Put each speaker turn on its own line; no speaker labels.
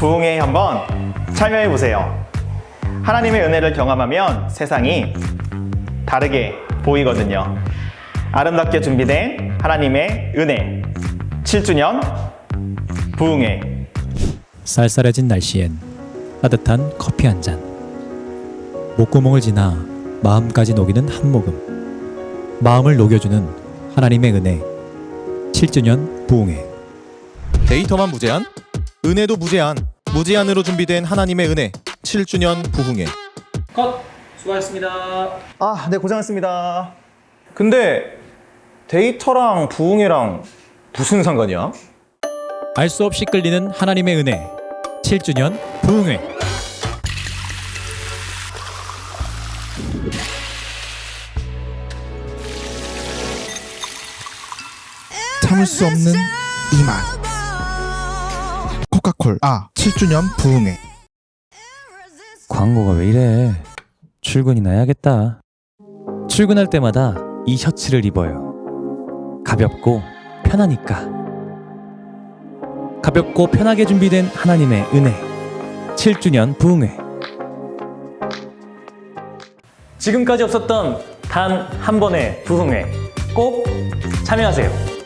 부흥회에 한번 참여해 보세요. 하나님의 은혜를 경험하면 세상이 다르게 보이거든요. 아름답게 준비된 하나님의 은혜 7주년 부흥회.
쌀쌀해진 날씨엔 따뜻한 커피 한 잔. 목구멍을 지나 마음까지 녹이는 한 모금. 마음을 녹여주는 하나님의 은혜 7주년 부흥회.
데이터만 무제한? 은혜도 무제한. 무제한으로 준비된 하나님의 은혜 7주년 부흥회.
컷! 수고하셨습니다.
아, 네, 고생했습니다. 근데 데이터랑 부흥회랑 무슨 상관이야?
알 수 없이 끌리는 하나님의 은혜 7주년 부흥회.
참을 수 없는 이 맛. 코카콜 7주년 부흥회.
광고가 왜 이래? 출근이나 해야겠다. 출근할 때마다 이 셔츠를 입어요. 가볍고 편하니까. 가볍고 편하게 준비된 하나님의 은혜 7주년 부흥회.
지금까지 없었던 단 한 번의 부흥회 꼭 참여하세요.